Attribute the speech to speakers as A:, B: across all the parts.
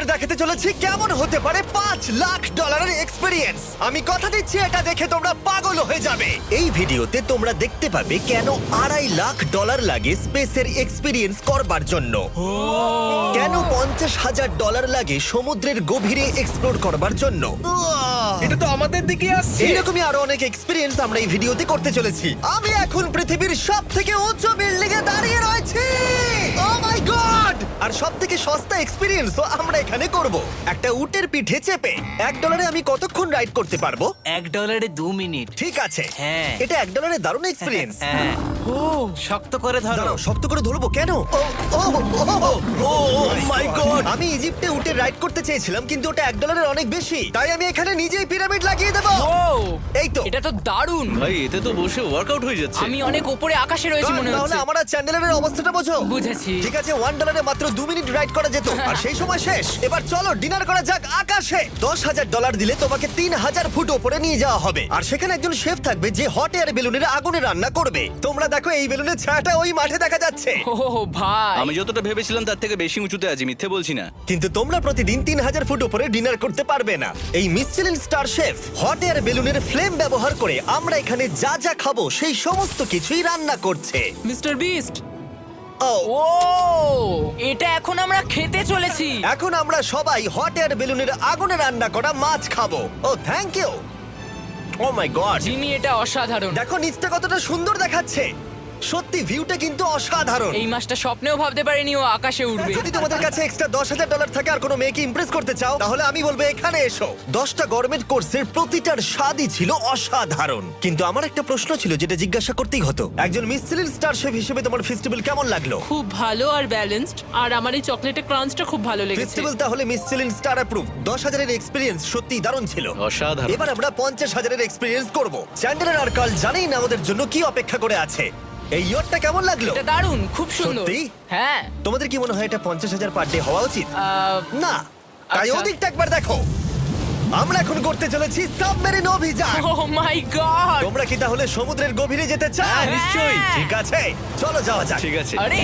A: দেখাতে চলেছি কেমন হতে পারে $5 লাখ এক্সপিরিয়েন্স। আমি কথা দিচ্ছি এটা দেখে তোমরা পাগল হয়ে যাবে। এই ভিডিওতে তোমরা দেখতে পাবে কেন $2.5 লাখ লাগে স্পেসের এক্সপিরিয়েন্স করবার জন্য, কেন $50,000 লাগে সমুদ্রের গভীরে এক্সপ্লোর করবার জন্য।
B: এটা তো আমাদের দিকে আসছে।
A: এইরকমই আরো অনেক এক্সপিরিয়েন্স আমরা এই ভিডিওতে করতে চলেছি। আমি এখন পৃথিবীর সব থেকে উঁচু বিল্ডিং এ দাঁড়িয়ে রয়েছি। ও মাই গড! আর সব থেকে সস্তা এক্সপিরিয়েন্সও আমরা এখানে করব, একটা উটের পিঠে চেপে। $1 আমি কতক্ষণ রাইড করতে পারবো?
C: $1 2 মিনিট।
A: ঠিক আছে,
C: হ্যাঁ।
A: এটা $1 দারুণ এক্সপিরিয়েন্স।
C: হ্যাঁ। শক্ত করে ধরো।
A: দাঁড়াও, শক্ত করে ধরবো কেন? My god! আমি ইজিপ্টে উটে রাইড করতে চেয়েছিলাম, কিন্তু ওটা $1 অনেক বেশি, তাই আমি এখানে নিজেই পিরামিড লাগিয়ে দেবো। এই তো।
D: এটা তো দারুণ।
B: ভাই এতে তো বসে ওয়ার্কআউট হয়ে যাচ্ছে।
D: আমি অনেক উপরে আকাশে রয়েছি মনে
A: তাহলে
D: হচ্ছে।
A: আমার আর চ্যান্ডেলের অবস্থাটা বোঝো।
D: বুঝেছি।
A: ঠিক আছে, $1 মাত্র 2 মিনিট রাইড করা যেত, আর সেই সময় শেষ। এবার চলো ডিনার করা যাক আকাশে। $10,000 দিলে তোমাকে 3000 ফুট উপরে নিয়ে যাওয়া হবে, আর সেখানে একজন শেফ থাকবে যে হট এয়ার বেলুনের আগুনে রান্না করবে। তোমরা দেখো এই বেলুনের ছায়াটা ওই মাঠে দেখা যাচ্ছে।
D: ও ভাই,
B: আমি যতটা ভেবেছিলাম তার থেকে বেশি উঁচুতে আছি, মিথ্যে বলছি না।
A: কিন্তু তোমরা প্রতিদিন 3000 ফুট উপরে ডিনার করতে পারবে না। এই Michelin star chef hot air বেলুনের ফ্লেম ব্যবহার করে আমরা এখানে যা যা খাবো সেই সমস্ত কিছুই রান্না করছে।
D: Mister beast.
A: ও
D: ও, এটা এখন আমরা খেতে চলেছি।
A: এখন আমরা সবাই হট এয়ার বেলুনের আগুনে রান্না করা মাছ খাবো। Oh thank you. Oh my god,
D: Jimmy, এটা অসাধারণ।
A: দেখো নিচটা কতটা সুন্দর দেখাচ্ছে। সত্যি ভিউটা কিন্তু অসাধারণ।
D: এই মাসটা স্বপ্নেও ভাবতে পারিনি ও আকাশে উঠবে।
A: যদি তোমাদের কাছে এক্সট্রা $10,000 থাকে আর কোনো মেয়েকে ইমপ্রেস করতে চাও, তাহলে আমি বলবো এখানে এসো। 10টা গভর্নমেন্ট কোর্সের প্রতিটার স্বাদই ছিল অসাধারণ। কিন্তু আমার একটা প্রশ্ন ছিল যেটা জিজ্ঞাসা করতেই হতো, একজন মিশেলিন স্টার শেফ হিসেবে তোমার ফেস্টিভ্যাল কেমন লাগলো?
E: খুব ভালো আর ব্যালেন্সড, আর আমার এই চকলেটের ক্রাঞ্চটা খুব ভালো লেগেছে।
A: ফেস্টিভ্যাল তাহলে মিশেলিন স্টার অ্যাপ্রুভ। 10,000 এক্সপিরিয়েন্স সত্যিই দারুণ ছিল।
B: অসাধারণ।
A: এবার আমরা 50,000 এক্সপিরিয়েন্স করব। চ্যান্ডেলার আর কার্ল জানেই না আমাদের জন্য কি অপেক্ষা করে আছে। এই ইয়ারটা কেমন লাগলো?
D: এটা দারুণ, খুব সুন্দর।
A: সত্যি?
D: হ্যাঁ।
A: তোমাদের কি মনে হয় এটা 50,000 পার ডে হওয়া উচিত? না, তাই
D: আচ্ছা।
A: ওদিকটা একবার দেখো। আমরা এখন করতে চলেছি সাবমেরিন অভিযান।
D: Oh my god.
A: তোমরা কি তাহলে সমুদ্রের গভীরে যেতে চাও?
D: হ্যাঁ, নিশ্চয়ই।
A: ঠিক আছে, চলো যাওয়া যাক।
B: ঠিক আছে।
D: আরে,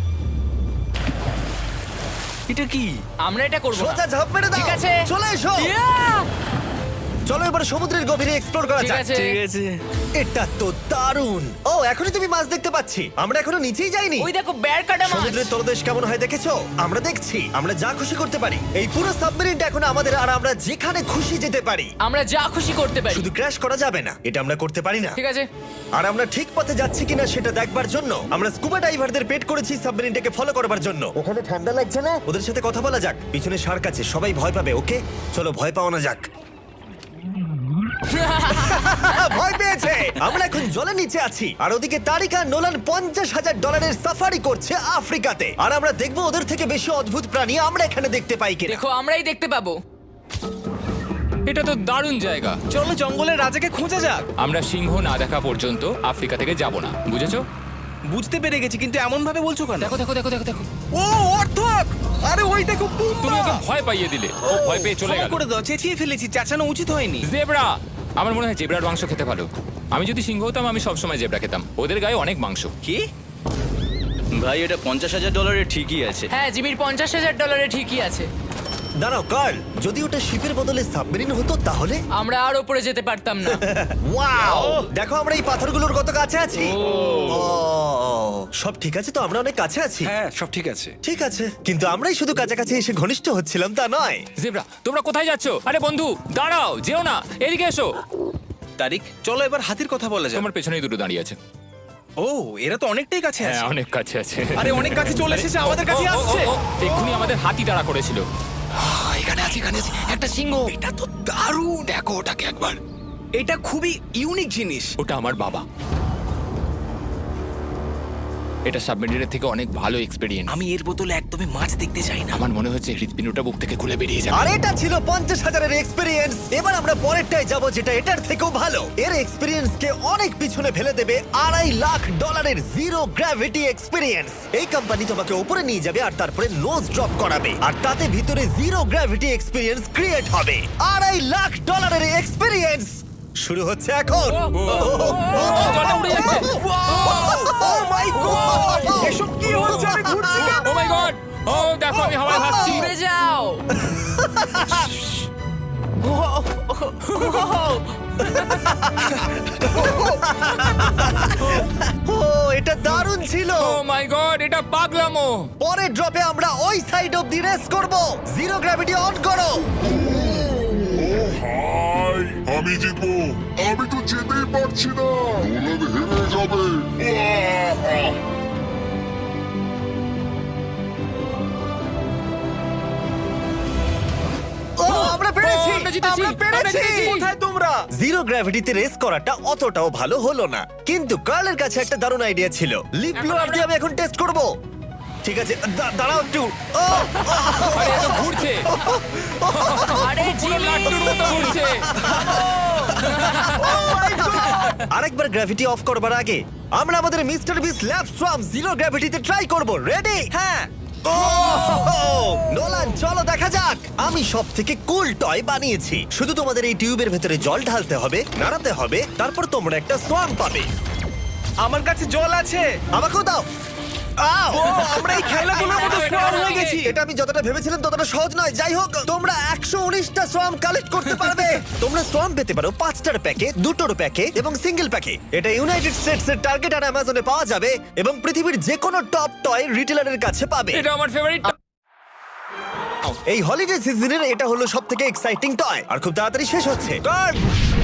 B: এটা কি?
D: আমরা এটা করব না।
A: সোজা ঝাঁপ মেরে দাও।
D: ঠিক আছে।
A: চলে এসো।
D: Yeah!
A: চলো এবার সমুদ্রের গভীরে এক্সপ্লোর করা
D: ঠিক
A: যাক।
D: আছে।
B: ঠিক আছে।
A: এটা তো দারুণ। ও, এখনই তুমি মাছ দেখতে পাচ্ছি। আমরা এখনো নিচেই যাইনি।
D: ওই দেখো, বের কাটা মাছ।
A: সমুদ্রের তলদেশ কেমন হয় দেখেছো? আমরা দেখছি, আমরা যা খুশি করতে পারি। এই পুরো সাবমেরিনটা এখন আমাদের, আর আমরা যেখানে খুশি যেতে পারি।
D: আমরা যা খুশি করতে পারি।
A: শুধু ক্র্যাশ করা যাবে না, এটা আমরা করতে পারি না।
D: ঠিক আছে।
A: আর আমরা ঠিক পথে যাচ্ছি কিনা সেটা দেখবার জন্য আমরা স্কুবা ডাইভারদের পেড করেছি সাবমেরিনটাকে ফলো করবার জন্য। ওখানে ঠান্ডা লাগছে না? ওদের সাথে কথা বলা যাক। পিছনে শার্ক আছে, সবাই ভয় পাবে। ওকে, চলো ভয় পাওয়া না যাক। ভয় পেয়েছে। আমরা এখন জলের নিচে আছি, আর ওদিকে তারিকা নোলান $50,000 সাফারি করছে আফ্রিকাতে। আর আমরা দেখবো ওদের থেকে বেশি অদ্ভুত প্রাণী আমরা এখানে দেখতে পাই কিনা।
D: দেখো, আমরাই দেখতে পাবো।
F: এটা তো দারুণ জায়গা।
B: চলো জঙ্গলের রাজাকে খোঁজা যাক।
F: আমরা সিংহ না দেখা পর্যন্ত আফ্রিকা থেকে যাব না, বুঝেছো?
B: বুঝতে পেরে গেছি, কিন্তু এমন ভাবে বলছো কেন?
D: দেখো দেখো দেখো দেখো দেখো।
B: ও অর্থক! আরে ওই দেখো
F: তুমি ওকে ভয় পাইয়ে দিলে, ও ভয় পেয়ে চলে
B: ক্ষমা
F: গেল।
B: করে দাও, চেঁচিয়ে ফেলেছি, চাচানো উচিত হয়নি।
F: জেব্রা, আমার মনে হয় জেব্রার মাংস খেতে ভালো। আমি যদি সিংহ হতাম আমি সবসময় জেব্রা খেতাম, ওদের গায়ে অনেক মাংস।
B: কি? ভাই এটা $50,000 ঠিকই আছে।
D: হ্যাঁ, জিমির $50,000 ঠিকই আছে।
A: দাঁড়াও কার্ল, যদি ওটা শিপের বদলে সাবমেরিন হতো তাহলে?
D: আমরা আর উপরে যেতে পারতাম না।
A: ওয়াও, দেখো আমরা এই পাথরগুলোর কত কাছে আছি। ও, সব ঠিক আছে তো? আমরা অনেক কাছে আছি।
B: হ্যাঁ সব ঠিক আছে।
A: ঠিক আছে, কিন্তু আমরাই শুধু কাছাকাছি এসে ঘনিষ্ঠ হচ্ছিলাম তা নয়।
F: জেব্রা, তোমরা কোথায় যাচ্ছ? আরে বন্ধু দাঁড়াও, যেও না, এদিকে এসো।
B: তারিক, চলো এবার হাতির কথা বলা যাক।
F: তোমার পেছনেই দুটো দাঁড়িয়ে আছে।
B: ও, এরা তো অনেকটাই কাছে
F: হ্যাঁ,
B: আছে।
F: অনেক কাছে আছে।
B: আরে অনেক কাছে চলে এসেছে, আমাদের কাছে
F: ও, ও, ও,
B: আসছে।
F: ও, এক্ষুনি আমাদের হাতি তাড়া করেছিল।
D: এখানে আছে একটা সিংহ।
B: এটা তো দারুণ।
F: দেখো ওটাকে একবার।
B: এটা খুবই ইউনিক জিনিস।
F: ওটা আমার বাবা। এটা সাবমেরিনের থেকে অনেক ভালো এক্সপেরিয়েন্স।
C: আমি এর বদলে একদমই মাছ দেখতে চাই না।
F: আমার মনে হচ্ছে হৃৎপিণ্ডটা বুক থেকে খুলে বেরিয়ে যাবে।
A: আর এটা ছিল 50,000 এক্সপিরিয়েন্স। এবার আমরা পরেরটায় যাব, যেটা এটার থেকেও ভালো। এর এক্সপিরিয়েন্স কে অনেক পিছনে ফেলে দেবে। $2.5 লাখ জিরো গ্র্যাভিটি এক্সপিরিয়েন্স। এই কোম্পানি তোমাকে উপরে নিয়ে যাবে আর তারপরে নোজ ড্রপ করাবে, আর তাতে ভিতরে জিরো গ্র্যাভিটি এক্সপিরিয়েন্স ক্রিয়েট হবে। $2.5 এক্সপিরিয়েন্স শুরু হচ্ছে এখন।
F: জলে উড়ে যাচ্ছে।
A: Oh my God!
B: এসব কি হচ্ছে? আমি ঘুরছি কেন?
F: ও মাই গড, ও দেখো আমি হাওয়ায় ভাসছি।
D: উড়ে যাও।
A: ও এটা দারুণ ছিল।
F: ও মাই গড, এটা পাগলামো।
A: পরের ড্রপে আমরা ওই সাইড অফ দি রেস করব। জিরো গ্র্যাভিটি অন করো।
G: হাই আমি জিতবো, আমি তো যেতেই পারছি না, নোলান হেরে যাবে। আহ!
A: ও আমরা পেরেছি,
F: ও, আমরা জিতেছি,
A: আমরা পেরেছি।
F: আমরা জিতেছি।
A: কোথায় তোমরা? জিরো গ্র্যাভিটিতে রেস করাটা অতটাও ভালো হলো না, কিন্তু কার্লের কাছে একটা দারুণ আইডিয়া ছিল। লিপ ব্লোয়ার দিয়ে আমি এখন টেস্ট করব। ঠিক আছে, দাঁড়াও একটু। ও,
F: আরে এত ঘুরছে,
D: আরে
F: পুরো
D: জিমি,
F: লাট্টুর মতো ঘুরছে।
A: আরেকবার গ্র্যাভিটি অফ করবার আগে আমরা আমাদের mister Beast lab swarm zero গ্র্যাভিটিতে ট্রাই করব। রেডি?
C: হ্যাঁ।
A: ও নোলান, চলো দেখা যাক। আমি সব থেকে কুল টয় বানিয়েছি। শুধু তোমাদের এই টিউবের ভেতরে জল ঢালতে হবে, নাড়াতে হবে, তারপর তোমরা একটা সোয়াম পাবে।
C: আমার কাছে জল আছে।
A: আমাকেও দাও। আও!
C: আমরা এই খেলাগুলোর মতো স্ট্রং হয়ে গেছি।
A: এটা আমি যতটা ভেবেছিলাম ততটা সহজ নয়। যাই হোক, তোমরা 119টা সোয়াম কালেক্ট করতে পারবে। তোমরা সোয়াম পেতে পারো 5টার প্যাকে, 2টোর প্যাকে এবং সিঙ্গেল প্যাকে। এটা ইউনাইটেড স্টেটস এর টার্গেট আর অ্যামাজনে পাওয়া যাবে এবং পৃথিবীর যে কোনো টপ টয় রিটেলারের কাছে পাবে।
F: এটা আমার ফেভারিট।
A: এই হলিডে সিজনের এটা হলো সবথেকে এক্সাইটিং টয় আর খুব তাড়াতাড়ি শেষ হচ্ছে। কার্ড!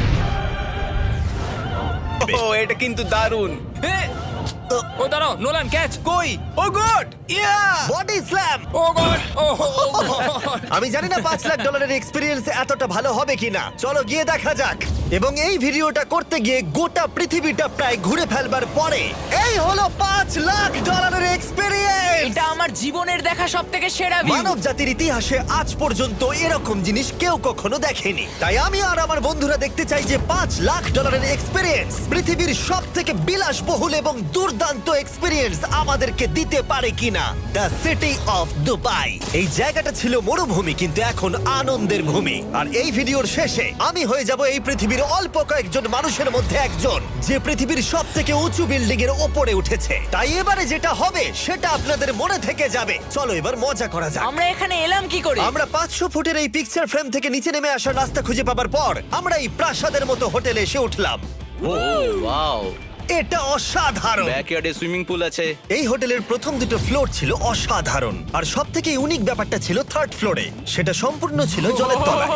C: ও এটা কিন্তু দারুণ।
F: ও দাঁড়াও, নোলান ক্যাচ।
C: কই? Oh god! Yeah!
A: Body slam!
F: Oh god, oh god.
A: আমি জানি না $5 লাখ এক্সপিরিয়েন্স এতটা ভালো হবে কিনা। চলো গিয়ে দেখা যাক। এবং এই ভিডিওটা করতে গিয়ে গোটা পৃথিবীটা প্রায় ঘুরে ফেলবার পরে এই হলো $5 লাখ এক্সপিরিয়েন্স।
D: এটা আমার জীবনের দেখা সবথেকে সেরা ভিউ।
A: মানব জাতির ইতিহাসে আজ পর্যন্ত এরকম জিনিস কেউ কখনো দেখেনি। তাই আমি আর আমার বন্ধুরা দেখতে চাই যে $5 লাখ এক্সপিরিয়েন্স পৃথিবীর সব থেকে বিলাসবহুল এবং দুর্দান্ত এক্সপিরিয়েন্স আমাদেরকে দিতে পারে কিনা। The city of Dubai. এই জায়গাটা ছিল মরুভূমি, কিন্তু এখন আনন্দের ভূমি। আর এই ভিডিওর শেষে আমি হয়ে যাব এই পৃথিবীর অল্প কয়েকজন মানুষের মধ্যে একজন, যে পৃথিবীর সব থেকে উঁচু বিল্ডিং এর ওপরে উঠেছে। তাই এবারে যেটা হবে সেটা আপনাদের মনে থেকে যাবে। চলো এবার মজা করা যাক।
D: আমরা এখানে এলাম কি করে?
A: আমরা 500 ফুটের এই পিকচার ফ্রেম থেকে নিচে নেমে আসার রাস্তা খুঁজে পাবার পর আমরা এই প্রাসাদের মতো হোটেলে এসে উঠলাম।
B: ও ওয়াও,
A: এটা অসাধারণ।
B: ব্যাকইয়ার্ডে সুইমিং পুল আছে।
A: এই হোটেলের প্রথম দুটো ফ্লোর ছিল অসাধারণ, আর সব থেকে ইউনিক ব্যাপারটা ছিল থার্ড ফ্লোরে। সেটা সম্পূর্ণ ছিল জলের তলায়।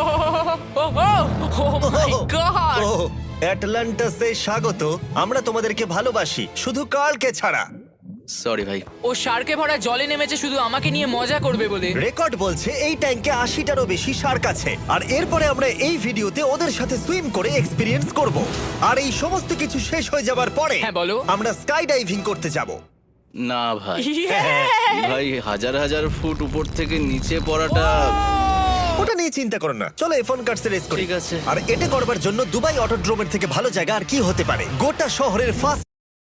D: ও মাই গড!
A: ও অ্যাটলান্টাসে স্বাগত। আমরা তোমাদেরকে ভালোবাসি, শুধু কার্লকে ছাড়া।
B: সরি ভাই।
D: ও শার্কে ভরা জলে নেমেছে শুধু আমাকে নিয়ে মজা করবে বলে।
A: রেকর্ড বলছে এই ট্যাঙ্কে 80টারও বেশি শার্ক আছে। আর এরপরে আমরা এই ভিডিওতে ওদের সাথে সুইম করে এক্সপিরিয়েন্স করব। আর এই সমস্ত কিছু শেষ হয়ে যাবার পরে
D: হ্যাঁ, বলো।
A: আমরা স্কাই ডাইভিং করতে যাব।
B: না ভাই,
A: হ্যাঁ,
B: ভাই হাজার হাজার ফুট উপর থেকে নিচে পড়াটা।
A: ওটা নিয়ে চিন্তা করো না, চলো ফোন কার্ডস রেস করি।
B: ঠিক আছে।
A: আর এটা করবার জন্য দুবাই অটোড্রোমের থেকে ভালো জায়গা আর কি হতে পারে। গোটা শহরের ফার্স্ট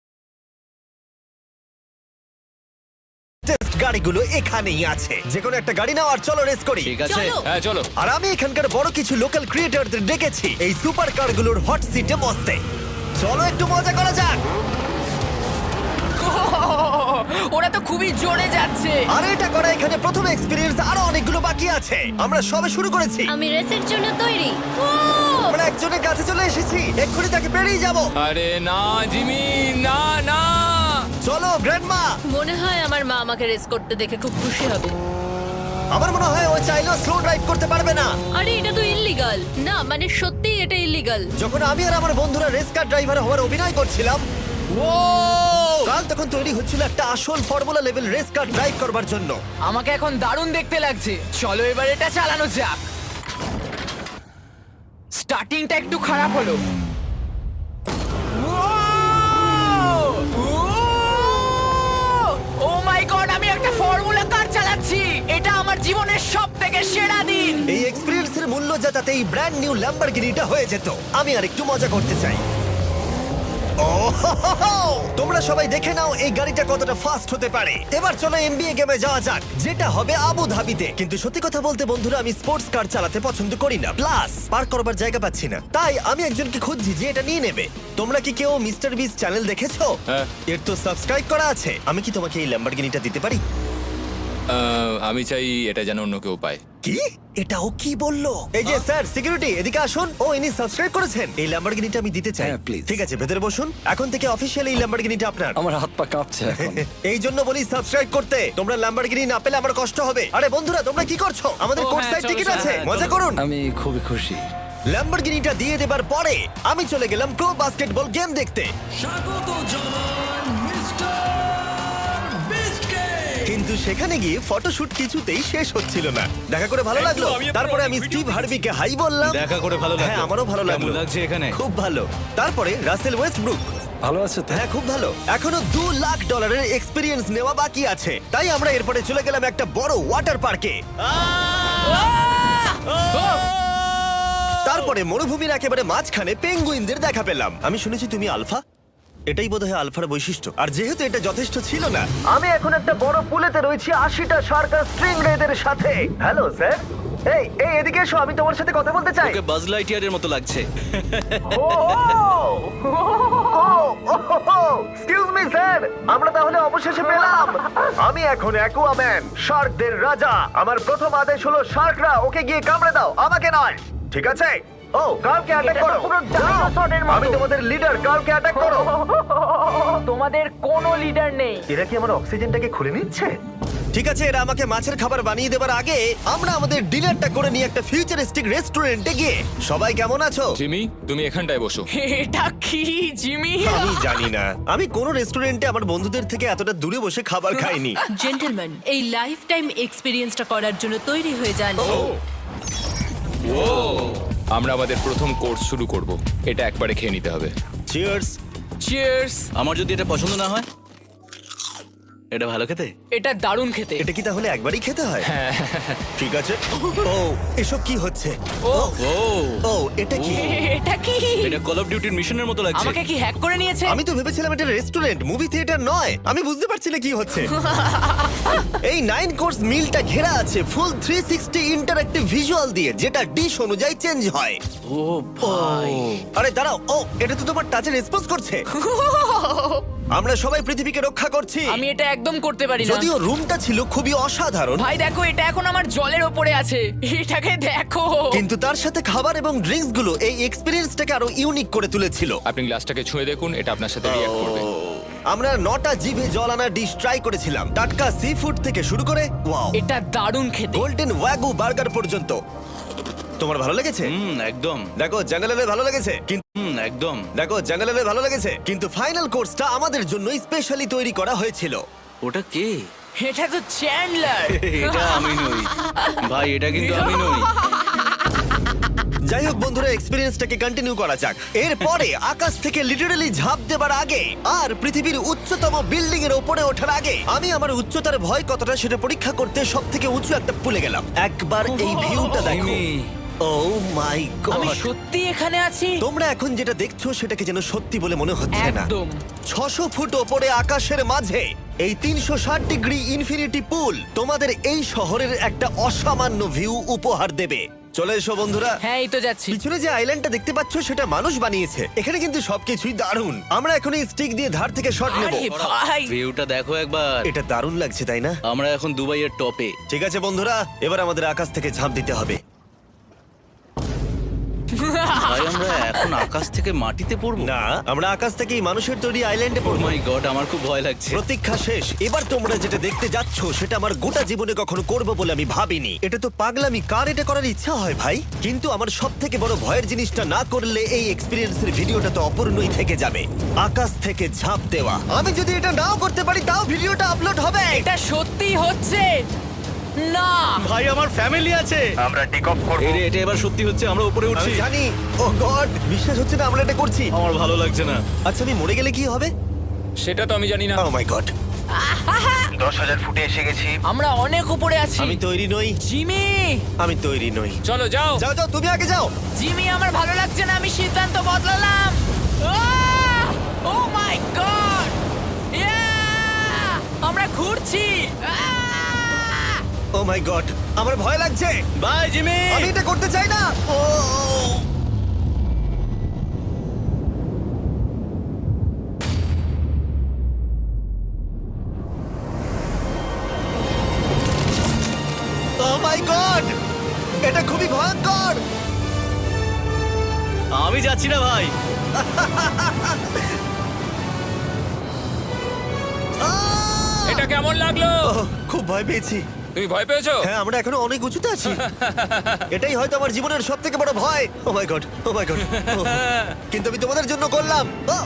A: গাড়িগুলো এখানেই আছে। যে কোনো একটা গাড়ি নাও আর চলো রেস করি।
B: ঠিক আছে।
F: হ্যাঁ চলো।
A: আর আমি এখানকার বড় কিছু লোকাল ক্রিয়েটরদের ডেকেছি এই সুপার কারগুলোর হট সিটে বসতে। চলো একটু মজা করা যাক।
D: ওরা তো খুবই জোরে যাচ্ছে।
A: আর এটা করা এখানে প্রথম এক্সপিরিয়েন্স, আরো অনেকগুলো বাকি আছে। আমরা সবে শুরু করেছি।
H: আমি রেসের জন্য তৈরি।
A: আমরা একজনের কাছে চলে এসেছি, এক্ষুনি তাকে পেরিয়ে যাব।
F: আরে না জিমি, না না।
A: চলো গ্র্যান্ডমা।
H: মনে হয় আমার মা আমাকে রেস করতে দেখে খুব খুশি হবে।
A: আমার মনে হয় ও চাইলেও স্লো ড্রাইভ করতে পারবে না।
H: আরে এটা তো ইল্লিগাল। না মানে সত্যিই এটা ইল্লিগাল।
A: যখন আমি আর আমার বন্ধুরা রেস কার ড্রাইভার হওয়ার অভিনয় করছিলাম, কাল তখন তৈরি হচ্ছিল একটা আসল formula level race car drive করবার জন্য।
D: আমাকে এখন দারুণ দেখতে লাগছে। চলো এবার এটা চালানো যাক। স্টার্টিংটা একটু খারাপ হলো। ও মাই গড, আমি একটা ফর্মুলা কার চালাচ্ছি। এটা আমার জীবনের সবথেকে সেরা দিন।
A: এই এক্সপেরিয়েন্সের মূল্য যা, তাতে এই ব্র্যান্ড নিউ ল্যাম্বরগিনিটা হয়ে যেত। আমি আর একটু মজা করতে চাই। তোমরা সবাই দেখে নাও এই গাড়িটা কতটা ফাস্ট হতে পারে। এবার চলো এমবিএ গেমে যাওয়া যাক, যেটা হবে আবু ধাবিতে। কিন্তু সত্যি কথা বলতে বন্ধুরা, আমি স্পোর্টস কার চালাতে পছন্দ করি না, প্লাস পার্ক করবার জায়গা পাচ্ছি না। তাই আমি একজনকে খুঁজছি যে এটা নিয়ে নেবে। তোমরা কি কেউ মিস্টার বিস চ্যানেল দেখেছো?
F: হ্যাঁ।
A: এর তো সাবস্ক্রাইব করা আছে। আমি কি তোমাকে এই ল্যাম্বরগিনিটা দিতে পারি?
F: আমি চাই এটা যেন অন্য কেউ পায়।
A: কি এটাও কি বললো? এই যে স্যার সিকিউরিটি এদিকে আসুন। ও ইনি সাবস্ক্রাইব করেছেন। এই ল্যাম্বরগিনিটা আমি দিতে চাই।
I: হ্যাঁ, please.
A: ঠিক আছে ভেতরে বসুন। এখন থেকে অফিসিয়ালি এই ল্যাম্বরগিনিটা আপনার।
I: আমার হাত পা কাঁপছে এখন।
A: এই জন্য বলি সাবস্ক্রাইব করতে। তোমরা ল্যাম্বরগিনি না পেলে আমার কষ্ট হবে। আরে বন্ধুরা তোমরা কি করছো? আমাদের
E: ও,
A: কোর্স
E: হ্যাঁ,
A: সাইড
E: চলো,
A: টিকিট
E: চলো,
A: আছে,
E: হ্যাঁ,
A: মজা
E: চলো।
A: করুন।
I: আমি খুবই খুশি।
A: ল্যাম্বরগিনিটা দিয়ে দেবার পরে আমি চলে গেলাম প্রো বাস্কেটবল গেম দেখতে। কিন্তু সেখানে গিয়ে ফটোশুট কিছুতেই শেষ হচ্ছিল না। দেখা করে ভালো লাগলো। তারপরে আমি স্টিভ হার্বিকে হাই বললাম।
B: দেখা করে ভালো লাগলো।
A: হ্যাঁ আমারও ভালো লাগলো।
B: কেমন লাগছে এখানে?
A: খুব ভালো। তারপরে রাসেল ওয়েস্টব্রুক।
I: ভালো আছে তো?
A: হ্যাঁ খুব ভালো। এখনো $2 লাখ এক্সপিরিয়েন্স নেওয়া বাকি আছে। তাই আমরা এরপরে চলে গেলাম একটা বড় ওয়াটার পার্কে। তারপরে মরুভূমির একেবারে মাঝখানে পেঙ্গুইনদের দেখা পেলাম। আমি শুনেছি তুমি আলফা। এটাই বোধহয় আলফার বৈশিষ্ট্য। আর যেহেতু এটা যথেষ্ট ছিল না, আমি এখন একটা বড় পুলেতে রয়েছি 80টা সার্কাস স্ট্রিং রেদের সাথে। Hello sir. এই এই এদিকে এসো, আমি তোমার সাথে কথা বলতে চাই।
B: ওকে বাজ লাইটিয়ারের মতো লাগছে।
A: এক্সকিউজ মি স্যার, আমরা তাহলে অবশেষে পেলাম। আমি এখন অ্যাকুয়াম্যান, শার্কদের রাজা। আমার প্রথম আদেশ হলো শার্করা ওকে গিয়ে কামড়ে দাও, আমাকে নয়। ঠিক আছে? ও কার্লকে অ্যাটাক করো। আমি তোমাদের লিডার, কার্লকে অ্যাটাক করো।
D: তোমাদের কোনো লিডার নেই।
A: এরা কি আমার অক্সিজেনটাকে খুলে নিচ্ছে? ঠিক আছে, এরা আমাকে মাছের খাবার বানিয়ে দেবার আগে আমরা আমাদের ডিনারটা করে নিয়ে একটা ফিউচারিস্টিক রেস্টুরেন্টে গিয়ে। সবাই কেমন আছো?
F: জিমি, তুমি এখানটায় বসো।
D: এটা কি জিমি?
A: আমি জানি না, আমি কোন রেস্টুরেন্টে আমার বন্ধুদের থেকে এতটা দূরে বসে খাবার খাইনি।
H: জেন্টলম্যান, এই লাইফ টাইম এক্সপিরিয়েন্সটা করার জন্য তৈরি হয়ে যান।
F: আমরা আমাদের প্রথম কোর্স শুরু করব। এটা একবারে খেয়ে নিতে হবে।
A: চিয়ার্স।
D: চিয়ার্স।
B: আমার যদি এটা পছন্দ না হয়? এটা ভালো খেতে?
D: এটা দারুণ খেতে।
A: এটা কি তাহলে একবারই খেতে হয়? ঠিক আছে। ও এসব কি হচ্ছে?
D: ও
B: ও
A: ও এটা কি?
D: এটা কি?
B: এটা কল অফ ডিউটির মিশনের মতো লাগছে।
D: আমাকে কি হ্যাক করে নিয়েছে?
A: আমি তো ভেবেছিলাম এটা রেস্টুরেন্ট, মুভি থিয়েটার নয়। আমি বুঝতে পারছি না কি হচ্ছে। এই 9 কোর্স মিলটা ঘেরা আছে ফুল 360 ইন্টারঅ্যাক্টিভ ভিজুয়াল দিয়ে, যেটা ডিশ অনুযায়ী চেঞ্জ হয়।
B: ও ভাই,
A: আরে দাঁড়াও, ও এটা তো তোমার টাচে রেসপন্স করছে। আমরা সবাই পৃথিবীকে রক্ষা করছি।
D: আমি এটা একদম করতে পারি না।
A: যদিও রুমটা ছিল খুবই অসাধারণ,
D: ভাই দেখো, এটা এখন আমার জলের ওপরে আছে। এটাকে দেখো।
A: কিন্তু তার সাথে খাবার এবং ড্রিঙ্কস গুলো এই এক্সপেরিয়েন্সটাকে আরো ইউনিক করে তুলেছিল।
F: আপনি গ্লাসটাকে ছুঁয়ে দেখুন, এটা আপনার সাথে রিঅ্যাক্ট করবে।
A: আমরা 9টা জিভে জল আনা ডিশ ট্রাই করেছিলাম, টাটকা সি ফুড থেকে শুরু করে ওয়াও
D: এটা দারুণ খেতে।
A: গোল্ডেন ওয়াগু বার্গার পর্যন্ত। তোমার ভালো লেগেছে?
B: একদম।
A: দেখো জাঙ্গালের ভালো লেগেছে, কিন্তু
B: একদম।
A: দেখো জাঙ্গালের ভালো লেগেছে, কিন্তু ফাইনাল কোর্সটা আমাদের জন্য স্পেশালি তৈরি করা হয়েছিল।
B: ওটা কে?
D: এটা তো চ্যান্ডলার।
B: এটা আমি নই ভাই, এটা কিন্তু আমি নই।
A: যাই হোক বন্ধুরা, এক্সপেরিয়েন্সটাকে কন্টিনিউ করা যাক। এরপরে আকাশ থেকে লিটারালি ঝাঁপ দেবার আগে আর পৃথিবীর উচ্চতম বিল্ডিং এর উপরে ওঠার আগে আমি আমার উচ্চতার ভয় কতটা সেটা পরীক্ষা করতে সব থেকে উঁচু একটা পুলে গেলাম। একবার এই ভিউটা দেখো।
B: জিমি।
A: ও মাই
D: আমি
A: গড!
D: সত্যি এখানে আছি।
A: তোমরা এখন যেটা দেখছো সেটাকে যেন সত্যি বলে মনে হচ্ছে না।
D: একদম।
A: 600 ফুট ওপরে আকাশের মাঝে এই 360 ডিগ্রি ইনফিনিটি পুল তোমাদের এই শহরের একটা অসামান্য ভিউ উপহার দেবে। চলে এসো বন্ধুরা।
D: হ্যাঁ, এই তো যাচ্ছি।
A: পিছনে যে আইল্যান্ডটা দেখতে পাচ্ছ সেটা মানুষ বানিয়েছে। এখানে কিন্তু সবকিছুই দারুণ। আমরা এখন এই স্টিক দিয়ে ধার থেকে শট নেব।
D: আরে ভাই,
B: ভিউটা দেখো একবার।
A: এটা দারুণ লাগছে তাই না?
B: আমরা এখন দুবাইয়ের টপে।
A: ঠিক আছে বন্ধুরা, এবার আমাদের আকাশ থেকে ঝাঁপ দিতে হবে।
B: ভাই আমরা এখন আকাশ থেকে মাটিতে পড়বো?
A: না, আমরা আকাশ থেকেই মানুষের তৈরি আইল্যান্ডে
B: ও
A: পড়বো।
B: মাই গড, আমার খুব ভয় লাগছে।
A: প্রতীক্ষা শেষ। এবার তোমরা যেটা দেখতে যাচ্ছ সেটা আমার গোটা জীবনে কখনো করবো বলে আমি ভাবিনি। এটা তো পাগলামি, কার এটা করার ইচ্ছা হয় ভাই? কিন্তু আমার সব থেকে বড় ভয়ের জিনিসটা না করলে এই এক্সপিরিয়েন্সের ভিডিওটা তো অপূর্ণই থেকে যাবে। আকাশ থেকে ঝাঁপ দেওয়া। আমি যদি এটা নাও করতে পারি তাও ভিডিওটা আপলোড হবে।
D: এটা সত্যি হচ্ছে না।
B: ভাই আমার ফ্যামিলি আছে।
A: আমরা টেক অফ করব।
B: এই রে, এটা এবার সত্যি হচ্ছে, আমরা উপরে
A: আমি
B: উঠছি।
A: জানি। ও গড, বিশ্বাস হচ্ছে না আমরা এটা করছি।
B: আমার ভালো লাগছে না।
A: আচ্ছা আমি মরে গেলে কি হবে?
F: সেটা তো আমি জানি না।
A: ও মাই গড। 10,000 ফুটে এসে গেছি।
D: আমরা অনেক উপরে আছি।
A: আমি তৈরি নই।
D: জিমি,
A: আমি তৈরি নই।
F: চলো যাও।
A: যাও যাও, তুমি আগে যাও।
D: জিমি, আমার ভালো লাগছে না। আমি সিদ্ধান্ত বদলালাম। ও মাই গড! আমরা ঘুরছি।
A: ও মাই গড, আমার ভয় লাগছে।
B: Bye Jimmy.
A: আমি এটা করতে চাই না। ও ভয়ঙ্কর।
B: আমি যাচ্ছি না ভাই।
F: এটা কেমন লাগলো?
A: ওহ, খুব ভয় পেয়েছি।
F: তুমি ভয় পেয়েছো?
A: হ্যাঁ, আমরা এখনো অনেক উঁচুতে আছি। এটাই হয়তো আমার জীবনের সব থেকে বড় ভয়। Oh my god, oh my god. কিন্তু আমি তোমাদের জন্য করলাম।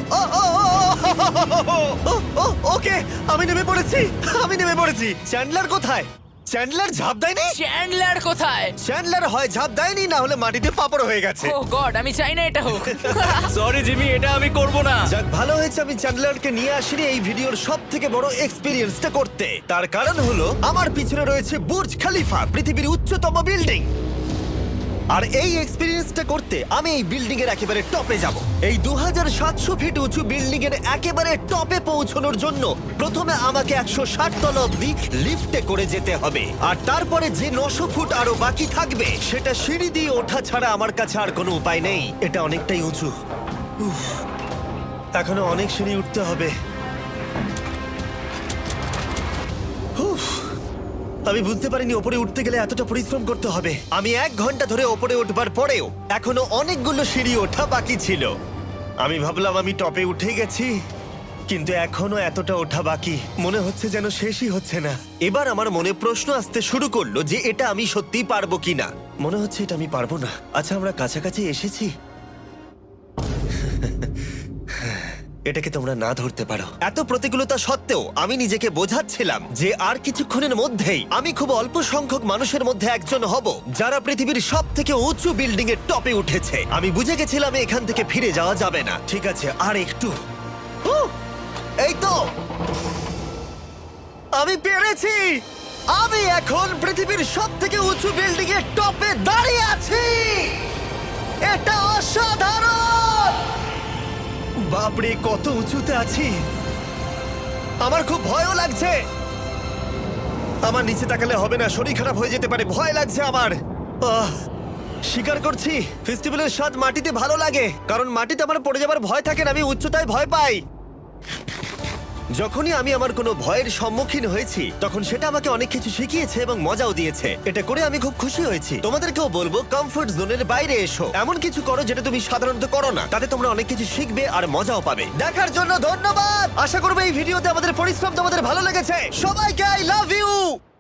A: ওকে, আমি নেমে পড়েছি, আমি নেমে পড়েছি। চ্যান্ডলার কোথায়? চ্যান্ডলার ঝাঁপ দেয়নি?
D: চ্যান্ডলার কোথায়?
A: চ্যান্ডলার হয় ঝাঁপ দেয়নি, না হলে মাটিতে পাপড় হয়ে গেছে।
D: ও গড, আমি চাই না এটা হোক।
B: সরি জিমি, এটা আমি করব না।
A: যাক, ভালো হয়েছে আমি চ্যান্ডলারকে নিয়ে আসিনি এই ভিডিওর সব থেকে বড় এক্সপিরিয়েন্সটা করতে। তার কারণ হলো আমার পিছনে রয়েছে বুর্জ খলিফা, পৃথিবীর উচ্চতম বিল্ডিং। আর এই এক্সপিরিয়েন্সটা করতে আমি এই বিল্ডিং এর একেবারে টপে যাব। এই 2700 ফিট উঁচু বিল্ডিং এর একেবারে টপে পৌঁছানোর জন্য প্রথমে আমাকে 160 তলা অব্দি লিফটে করে যেতে হবে, আর তারপরে যে 900 ফুট আরো বাকি থাকবে সেটা সিঁড়ি দিয়ে ওঠা ছাড়া আমার কাছে আর কোনো উপায় নেই। এটা অনেকটাই উঁচু। উফ, এখনো অনেক সিঁড়ি উঠতে হবে। উফ, আমি বুঝতে পারিনি ওপরে উঠতে গেলে এতটা পরিশ্রম করতে হবে। আমি 1 ঘন্টা ধরে ওপরে উঠবার পরেও এখনো অনেকগুলো সিঁড়ি ওঠা বাকি ছিল। আমি ভাবলাম আমি টপে উঠে গেছি, কিন্তু এখনো এতটা ওঠা বাকি। মনে হচ্ছে যেন শেষই হচ্ছে না। এবার আমার মনে প্রশ্ন আসতে শুরু করলো যে এটা আমি সত্যিই পারবো কিনা। মনে হচ্ছে এটা আমি পারবো না। আচ্ছা, আমরা কাছাকাছি এসেছি। এটাকে তোমরা না ধরতে পারো। এত প্রতিকূলতা সত্ত্বেও আমি নিজেকে বোঝাচ্ছিলাম যে আর কিছুক্ষণের মধ্যেই আমি খুব অল্প সংখ্যক মানুষের মধ্যে একজন হব যারা পৃথিবীর সব থেকে উঁচু বিল্ডিং এর টপে উঠেছে। আমি বুঝে গেছিলাম এখান থেকে ফিরে যাওয়া যাবে না। ঠিক আছে, আর একটু। এই তো, আমি পেরেছি। আমি এখন পৃথিবীর সব থেকে উঁচু বিল্ডিং এর টপে দাঁড়িয়ে আছি। এটা অসাধারণ। বাপরে, কত উঁচুতে আছি। আমার খুব ভয়ও লাগছে। আমার নিচে তাকালে হবে না, শরীর খারাপ হয়ে যেতে পারে। ভয় লাগছে আমার। স্বীকার করছি, ফেস্টিভ্যালের স্বাদ মাটিতে ভালো লাগে, কারণ মাটিতে আমার পড়ে যাবার ভয় থাকে না। আমি উচ্চতায় ভয় পাই। যখনই আমি আমার কোনো ভয়ের সম্মুখীন হয়েছি তখন সেটা আমাকে অনেক কিছু শিখিয়েছে এবং মজাও দিয়েছে। এটা করে আমি খুব খুশি হয়েছি। তোমাদেরকেও বলবো, কমফোর্ট জোনের বাইরে এসো, এমন কিছু করো যেটা তুমি সাধারণত করো না। তাতে তোমরা অনেক কিছু শিখবে আর মজাও পাবে। দেখার জন্য ধন্যবাদ। আশা করবো এই ভিডিওতে আমাদের পরিশ্রম তোমাদের ভালো লেগেছে। সবাইকে আই লাভ ইউ।